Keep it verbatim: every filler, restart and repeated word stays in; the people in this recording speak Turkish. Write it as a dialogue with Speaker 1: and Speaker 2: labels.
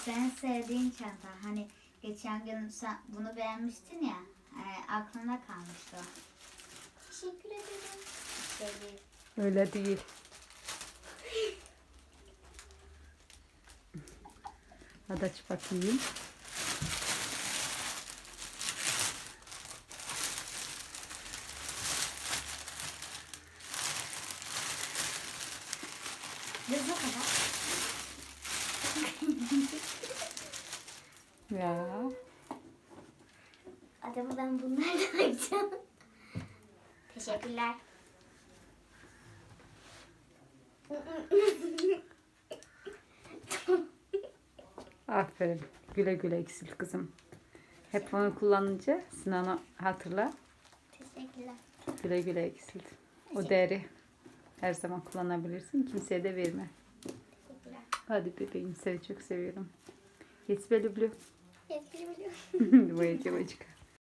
Speaker 1: senin sevdiğin çanta. Hani geçen gün sen bunu beğenmiştin ya. E, aklına kalmıştı o. Teşekkür ederim. Şey değil.
Speaker 2: Öyle değil. Hadi aç bakayım.
Speaker 1: Biz bu kadar.
Speaker 2: Ya.
Speaker 1: Acaba ben bunlardan açacağım. Teşekkürler.
Speaker 2: Aferin. Güle güle eksilt kızım. Hep onu kullanınca Sinan'ı hatırla.
Speaker 1: Teşekkürler.
Speaker 2: Güle güle eksilt. O değeri her zaman kullanabilirsin. Kimseye de verme.
Speaker 1: Teşekkürler.
Speaker 2: Hadi bebeğim, seni çok seviyorum. Yes, belli blue.
Speaker 1: Teşekkür ederim.
Speaker 2: Boyacı bacık.